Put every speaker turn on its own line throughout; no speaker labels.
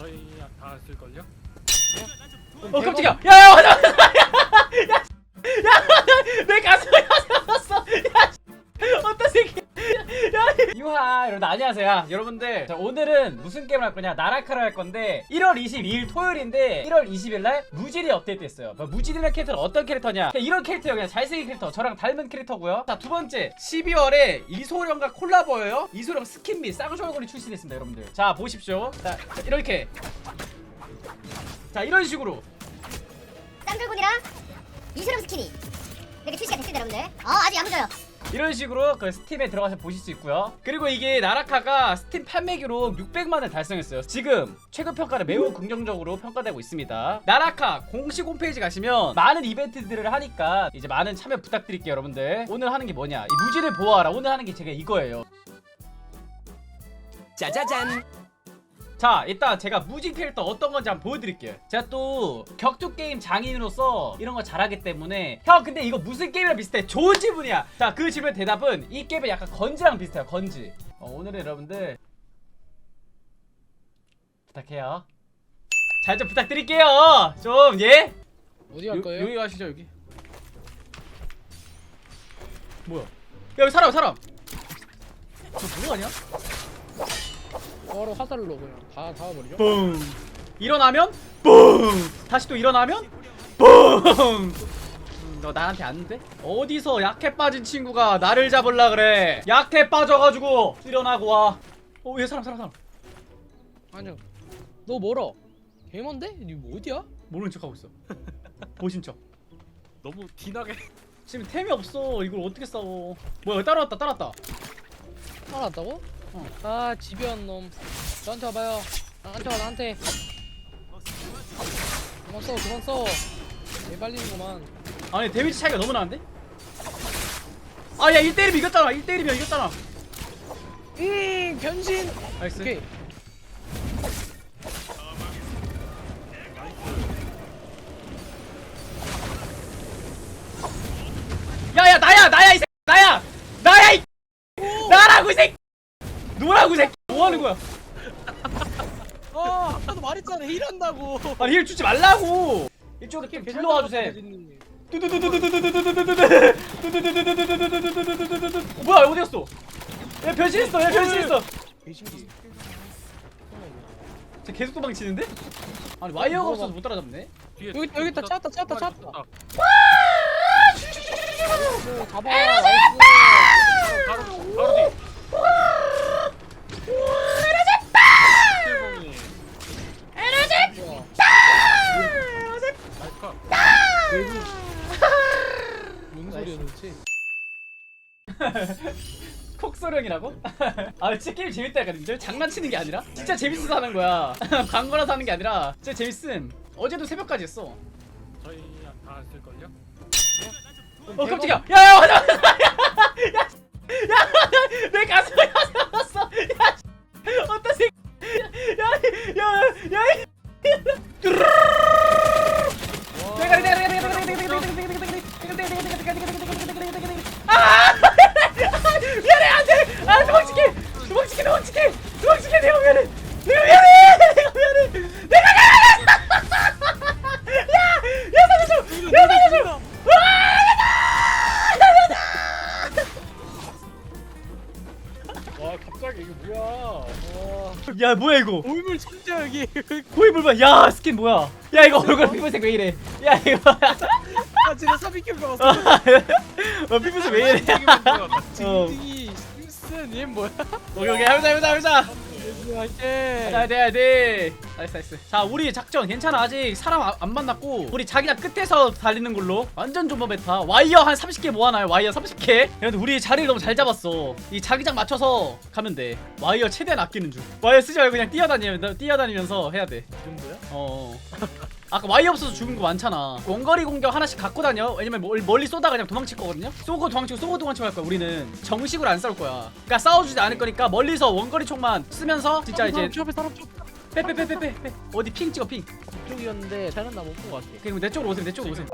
저희 다 쓸걸요?
깜짝이야. 야야 맞아. 야 내 가슴에 가슴 야 어떤 새끼. 야 유하 여러분 안녕하세요. 여러분들 자, 오늘은 무슨 게임을 할 거냐, 나라카를 할 건데 1월 22일 토요일인데 1월 20일 날 무지리 업데이트 했어요. 무지리라는 캐릭터는 어떤 캐릭터냐, 그냥 이런 캐릭터예요. 그냥 잘생긴 캐릭터, 저랑 닮은 캐릭터고요. 자, 두 번째 12월에 이소령과 콜라보예요. 이소령 스킨 및 쌍쇼얼굴이 출시됐습니다. 여러분들 자 보십시오. 자 이렇게, 자 이런 식으로
쌍글군이랑 이소룡 스킨이 이렇게 출시가 됐습니다. 여러분들 아주 야무져요.
이런 식으로 그 스팀에 들어가서 보실 수 있고요. 그리고 이게 나라카가 스팀 판매기로 600만을 달성했어요. 지금 최근 평가를 매우 긍정적으로 평가되고 있습니다. 나라카 공식 홈페이지 가시면 많은 이벤트들을 하니까 이제 많은 참여 부탁드릴게요. 여러분들 오늘 하는 게 뭐냐, 이 무지를 보호하라. 오늘 하는 게 제가 이거예요. 짜자잔. 자, 일단 제가 무지 캐릭터 어떤 건지 한번 보여드릴게요. 제가 또 격투 게임 장인으로서 이런 거 잘하기 때문에. 형 근데 이거 무슨 게임이랑 비슷해? 좋은 질문이야. 자, 그 질문 대답은 이 게임은 약간 건지랑 비슷해요. 건지. 오늘은 여러분들 부탁해요. 잘 좀 부탁드릴게요. 좀 예?
어디 갈 거예요?
여기 가시죠. 여기 뭐야? 야, 여기 사람 저 누구 아니야?
바로 화살로 그냥 다 잡아버리죠.
뿡. 일어나면 뿡. 다시 또 일어나면 뿡. 너 나한테 안 돼? 어디서 약해 빠진 친구가 나를 잡으려 그래? 약해 빠져가지고 일어나고 와. 얘 사람.
아니요. 너 멀어. 개먼데? 니 뭐 어디야?
모르는 척하고 있어. 보신 척.
너무 티나게.
지금 템이 없어. 이걸 어떻게 싸워? 뭐야? 따라왔다.
살아났다고?
어.
아 집요한 놈. 저한테 와봐요. 나한테 와 나한테. 그만 써. 개발리는구만.
아니 데미지 차이가 너무 나는데? 아, 야 1대1이면 이겼잖아. 1대1이면 이겼잖아.
변신.
나이스.
오케이.
야야 나야 이 새끼. 나야 이 나라고 이 새끼. 노라고 이 새끼. 뭐 하는 거야?
아까도 말했잖아 힐한다고.
아니 힐 주지 말라고. 이쪽으로 좀 불러와 주세요. 뭐야 어디 갔어? 얘 변신했어.
배신기.
쟤 계속 도망치는데? 아니 와이어가 없어서 못 따라잡네.
뒤에
여기 있다. 찾았다. 잡아.
바로 뒤. 나이스 컷.
뭔 소리야 도대체?
콕소령이라고? 아 진짜 게임 재밌다니까. 님들 장난치는 게 아니라 진짜 재밌어서 하는 거야. 광고라서 하는 게 아니라 진짜 재밌음. 어제도 새벽까지 했어.
저희 다 쓸걸요?
깜짝이야. 야야 맞아. 내 가슴에 가슴 야 어떤 새끼. 야야야야 미안해. 안돼. 아 도망치게 내가 미안해. 야 살려줘.
와 갑자기 이게 뭐야?
야 뭐야 이거?
얼굴 진짜 여기.
고인물 봐. 야 스킨 뭐야? 야 이거 얼굴 피부색 왜 이래? 야 이거
아 진짜 사비캠 나왔어.
피부색 왜 이래?
징징이 심슨 얘 뭐야?
오케이 해보자.
할게.
해야 돼. 나이스. 자 우리 작전 괜찮아. 아직 사람 안 만났고 우리 자기장 끝에서 달리는 걸로. 완전 존버 메타. 와이어 한 30개 모아놔요. 와이어 30개. 근데 우리 자리를 너무 잘 잡았어. 이 자기장 맞춰서 가면 돼. 와이어 최대한 아끼는 중. 와이어 쓰지 말고 그냥 뛰어다니면서 해야 돼.
이 정도야?
아까 와이어 없어서 죽은 거 많잖아. 원거리 공격 하나씩 갖고 다녀. 왜냐면 멀리 쏘다가 그냥 도망칠 거거든요. 쏘고 도망치고 할 거야. 우리는 정식으로 안 싸울 거야. 그러니까 싸워주지 않을 거니까 멀리서 원거리 총만 쓰면서 진짜 이제
사람
빼. 어디 핑 찍어 핑.
이쪽이었는데 잘은 나 못 본 것 같아.
그냥 내 쪽으로 오세요.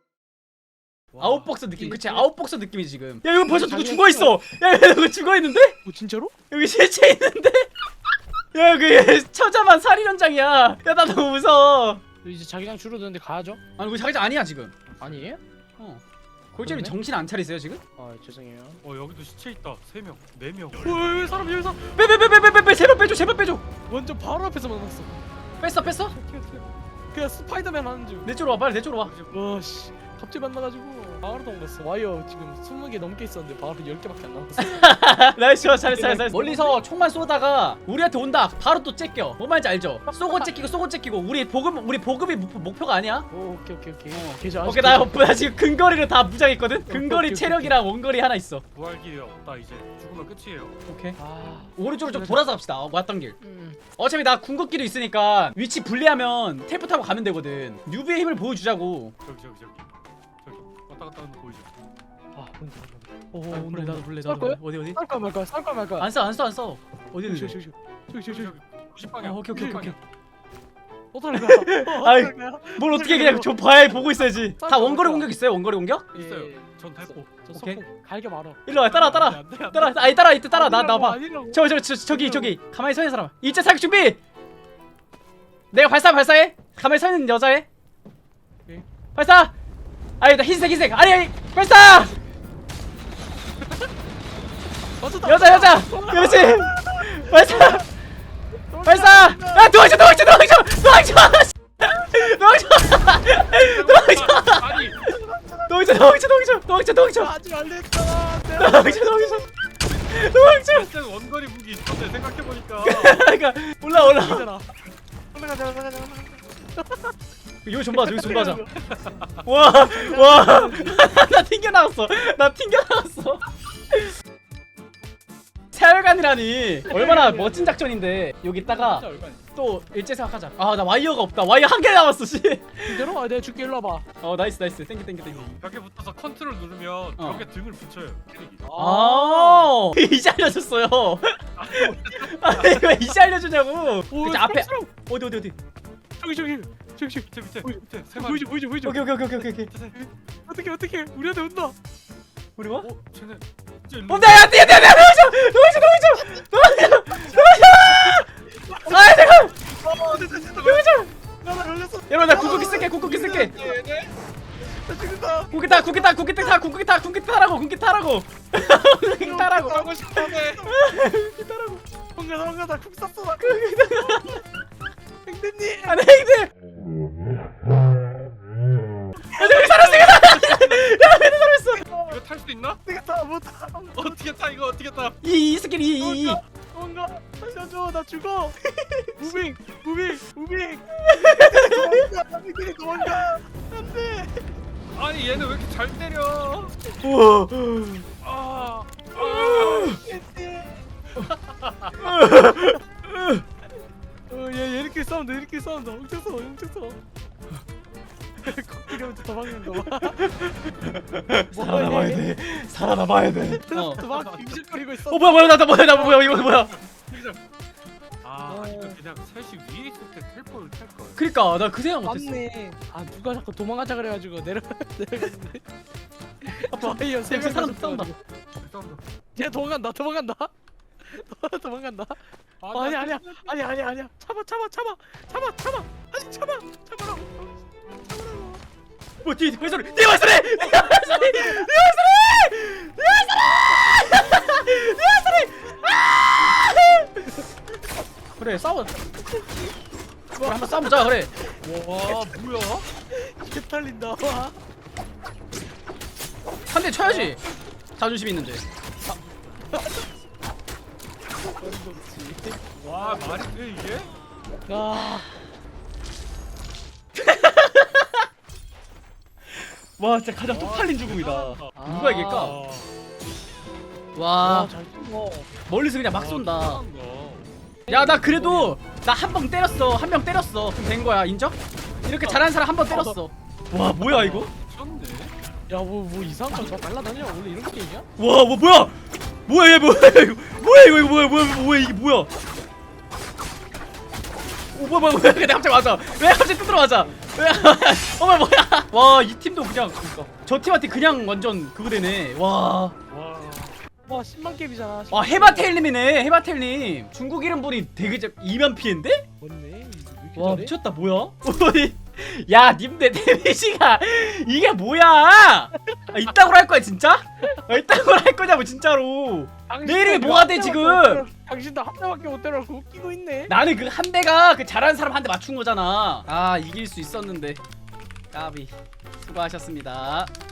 아웃복스 느낌. 그치 아웃복스 느낌이지 지금. 야 이거 벌써 누구 죽어있어. 야 누구 죽어있는데?
뭐 진짜로?
여기 실체 있는데? 야 그 처자만 살인 현장이야. 야 나 너무 무서워.
이제 자기장 줄어드는데 가야죠?
아니 우리 자기장 아니야 지금.
아니에요?
골재님
그러네?
정신 안 차리세요 지금?
아 죄송해요.
여기도 시체 있다. 3명, 4명.
왜 사람 여기서
빼 제발 빼줘 제발 빼줘.
완전 바로 앞에서 만났어.
뺐어?
그냥 스파이더맨 하는 줄.
내 쪽으로 와 빨리 내 쪽으로 와.
와씨 갑자기 만나가지고 바로 도망갔어. 와이어 지금 20개 넘게 있었는데 바로 10개밖에 안 남았어.
나이스 잘했어. 멀리서 총만 쏘다가 우리한테 온다. 바로 또 째껴. 뭐 말인지 알죠? 쏘고 째끼고 우리 보급이 목표가 아니야.
오 오케이. 계좌
오케이 나 지금 근거리를 다 무장했거든. 근거리
오케이.
체력이랑 원거리 하나 있어.
부활 길이 없다 이제. 죽으면 끝이에요.
오케이.
아
오른쪽으로 좀 돌아서 갑시다. 왔던 길.
음.
어차피 나 궁극기도 있으니까 위치 분리하면 텔포 타고 가면 되거든. 뉴비의 힘을 보여주자고.
저기. 왔다 갔다 하는 거 보이죠?
아
오
온다.
나도 볼래.
쌀 거야?
어디?
쌀까 말까.
안 써. 어디 있는데?
저기.
90방향.
오케이.
어떡할
아이,
거야?
뭘 어떻게 그냥 저 봐야 보고 있어야지. 다 원거리 공격 있어요. 원거리 공격?
있어요. 전 대포.
저
오케이.
석공 갈겨 말어.
일로 와 따라.
안 돼.
아니 따라 이때 따라 나 봐.
아니라고.
저기 가만히 서 있는 사람. 일제 사격 준비. 내가 발사해. 가만히 서 있는 여자애.
오케이.
발사. 아니 나 흰색. 아니 발사.
맞췄다.
여자. 그렇지. 발사. 야 도와줘.
아니.
도와줘.
하지 말랬잖아.
도와줘.
진짜 원거리 무기 있었네 생각해보니까.
그러니까 올라.
올라가자.
여기 좀 봐자. 와. 나 튕겨 나왔어. 세월간이라니. 얼마나 멋진 작전인데. 여기다가 또 일제 생각하자. 아 나 와이어가 없다. 와이어 한 개 남았어. 씨.
이대로 내가 줄게 일로 와봐.
나이스. 땡겨.
벽에 붙어서 컨트롤 누르면 벽에 등을 붙여요. 캐릭이.
아 이제 알려줬어요. 아니 이거 이제 알려주냐고.
오,
이제 앞에
쑥스러워.
어디.
저기.
밑에 세 마리.
보이죠.
오케이.
어떻게 우리한테 온다.
우리 와?
쟤네 진짜 일로.
온다 야 뛰어 도와줘. 아 잠깐.
나 열렸어.
여러분 나 궁극기 쓸게.
나 죽는다.
궁극기 타라고.
하고 싶다네.
도망가 나국 쐈어 나. 행대님.
안돼 형들. 여기 살았어.
이거 탈 수 있나?
내가 다 못하.
어떻게 타 이거 어떻게 타?
이 스킬 이.
뭔가 살려줘 나 죽어. 무빙. 도망가. 안돼.
아니 얘는 왜 이렇게 잘 때려?
우와.
아.
얘 이렇게 싸운다. 엄청 싸워. 코끼리 혼자 도망가는 거 봐.
살아남아야 돼.
막 빙실거리고 있어.
뭐야 이거 뭐야?
이거 그냥 셋이 위에 있을 때 텔포를 탈 걸.
그러니까 나 그 생각 못했어.
맞네. 아 누가 자꾸 도망가자 그래가지고 내려갔는데. 와이어 세
여기
명
사람 싸운다.
얘 도망간다. 도망간다. 아니야. 참아. 아니 참아라고.
뭐 뒤에 발소리. 그래 싸워. 그래 한번 싸우자 그래.
와 뭐야?
개탈린다. 와.
한 대 쳐야지. 자존심 있는데.
와 말이 돼 이게?
아.
와 진짜 가장 쪽팔린 죽음이다. 누가 이길까?
아,
와
잘 쏜거.
멀리서 그냥 막 쏜다.
잘하는 거.
야 나 그래도 나 한 방 때렸어. 한 명 때렸어. 그럼 된 거야 인정? 이렇게 잘하는 사람 한 번 때렸어. 와 뭐야 이거?
미쳤네.
야뭐 이상한 거저 날라다녀. 원래 이런 게임이야?
와 뭐 뭐야 얘 뭐야 이게 뭐야? 오 뭐야 근데 갑자기 맞아. 왜 갑자기 뜯으러 맞아? 왜? 뭐야? 와 이 팀도 그냥 그러니까 저 팀한테 그냥 완전 그거 되네. 와.
와.
와 10만 캡이잖아.
아 해바테일님이네. 해바테일님 중국 이름 보니 되게 2만 피인데?
맞네. 왜 이렇게
와
잘해?
미쳤다. 뭐야? 야 님들 데미지가 이게 뭐야? 아, 이따구로 할 거야 진짜? 아, 이따구로 할 거냐고 진짜로. 내 이름이 뭐가 돼 지금?
당신도 한 대밖에 못 때려서 웃기고 있네.
나는 그 한 대가 그 잘하는 사람 한 대 맞춘 거잖아. 아 이길 수 있었는데 까비. 수고하셨습니다.